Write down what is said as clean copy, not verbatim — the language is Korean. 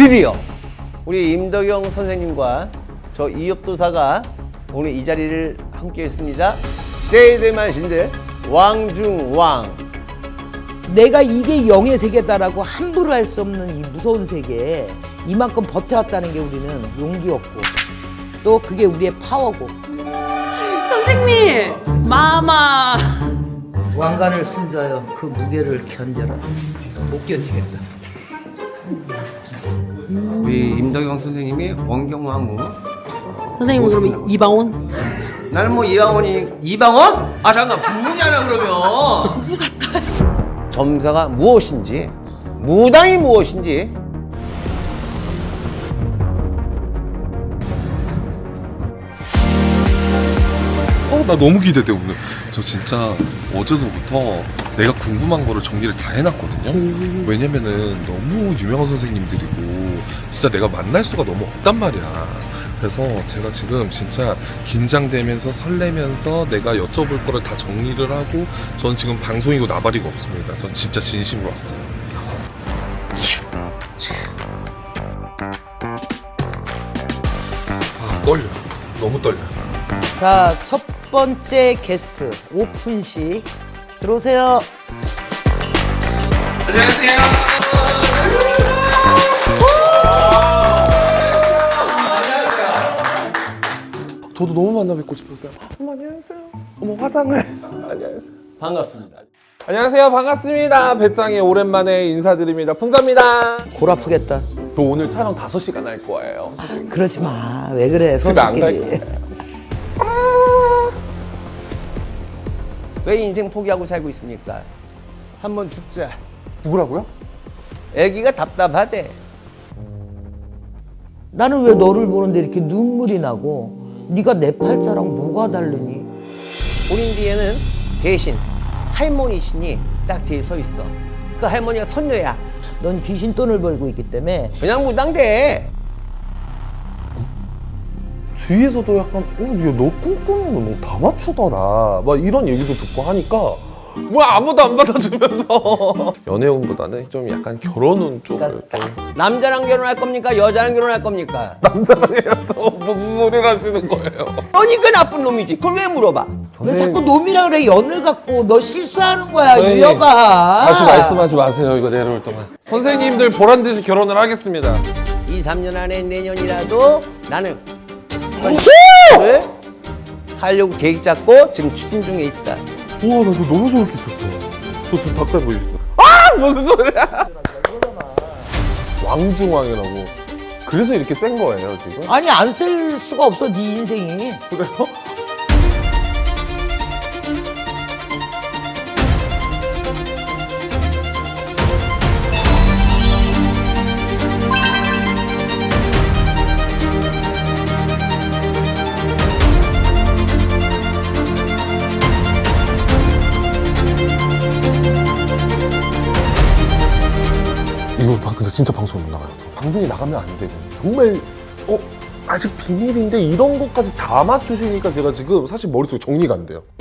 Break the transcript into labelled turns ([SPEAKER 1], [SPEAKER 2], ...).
[SPEAKER 1] 드디어 우리 임덕영 선생님과 저 이협도사가 오늘 이 자리를 함께 했습니다. 세대만 신들 왕중왕.
[SPEAKER 2] 내가 이게 영의 세계다라고 함부로 할 수 없는 이 무서운 세계에 이만큼 버텨왔다는 게 우리는 용기였고 또 그게 우리의 파워고.
[SPEAKER 3] 선생님, 마마.
[SPEAKER 2] 왕관을 쓴 자여 그 무게를 견뎌라. 못 견디겠다.
[SPEAKER 1] 우리 임덕영 선생님이 원경왕후.
[SPEAKER 3] 선생님 그러면 이방원?
[SPEAKER 1] 나는 뭐 이방원? 아 잠깐 부부잖아 그러면. 부부 같아요. 점사가 무엇인지, 무당이 무엇인지.
[SPEAKER 4] 나 너무 기대돼 오늘. 저 진짜 어제서부터 내가 궁금한 거를 정리를 다 해놨거든요. 왜냐면은 너무 유명한 선생님들이고 진짜 내가 만날 수가 너무 없단 말이야. 그래서 제가 지금 진짜 긴장되면서 설레면서 내가 여쭤볼 거를 다 정리를 하고 전 지금 방송이고 나발이고 없습니다. 전 진짜 진심으로 왔어요. 아 떨려. 너무 떨려.
[SPEAKER 2] 자, 첫 번째 게스트 오픈식 들어오세요.
[SPEAKER 4] 저도 너무 만나 뵙고 싶었어요. 어머 안녕하세요. 어머 화장을. 안녕하세요.
[SPEAKER 1] 반갑습니다.
[SPEAKER 4] 안녕하세요. 반갑습니다. 배짱이 오랜만에 인사드립니다. 풍자입니다.
[SPEAKER 2] 골 아프겠다.
[SPEAKER 4] 저 오늘 촬영 5시간 할 거예요.
[SPEAKER 2] 그러지 마. 왜 그래?
[SPEAKER 4] 집에 안 갈
[SPEAKER 2] 선수끼리.
[SPEAKER 4] 거예요.
[SPEAKER 1] 왜 인생 포기하고 살고 있습니까? 한번 죽자.
[SPEAKER 4] 누구라고요?
[SPEAKER 1] 애기가 답답하대.
[SPEAKER 2] 나는 왜 너를 보는데 이렇게 눈물이 나고 네가 내 팔자랑 뭐가 다르니?
[SPEAKER 1] 본인 뒤에는 대신 할머니 신이 딱 뒤에 서 있어. 그 할머니가 선녀야.
[SPEAKER 2] 넌 귀신 돈을 벌고 있기 때문에
[SPEAKER 1] 그냥 무당돼.
[SPEAKER 4] 주위에서도 약간 너 꿈꾸는 거 다 맞추더라 막 이런 얘기도 듣고 하니까 뭐야 아무도 안 받아주면서 연애운보다는 좀 약간 결혼운 쪽을 좀
[SPEAKER 1] 남자랑 결혼할 겁니까? 여자랑 결혼할 겁니까?
[SPEAKER 4] 남자랑 해야죠. 무슨 소리를 하시는 거예요?
[SPEAKER 1] 그러니까 나쁜 놈이지. 그걸 왜 물어봐?
[SPEAKER 2] 왜 자꾸 놈이라 그래? 연을 갖고 너 실수하는 거야,
[SPEAKER 4] 선생님,
[SPEAKER 2] 유여가.
[SPEAKER 4] 다시 말씀하지 마세요. 이거 내려올 동안 선생님들 보란듯이 결혼을 하겠습니다.
[SPEAKER 1] 2, 3년 안에 내년이라도 나는 를 하려고 계획 잡고 지금 추진 중에 있다.
[SPEAKER 4] 우와 나 이거 너무 저렇게 쳤어. 저 지금 닭살 보이시죠? 아 무슨 소리야? 왕중왕이라고. 그래서 이렇게 센 거예요 지금?
[SPEAKER 2] 아니 안 쓸 수가 없어, 네 인생이.
[SPEAKER 4] 그래요? 이거 근데 진짜 방송에 못 나가요. 방송에 나가면 안 되고 정말 아직 비밀인데 이런 것까지 다 맞추시니까 제가 지금 사실 머릿속에 정리가 안 돼요.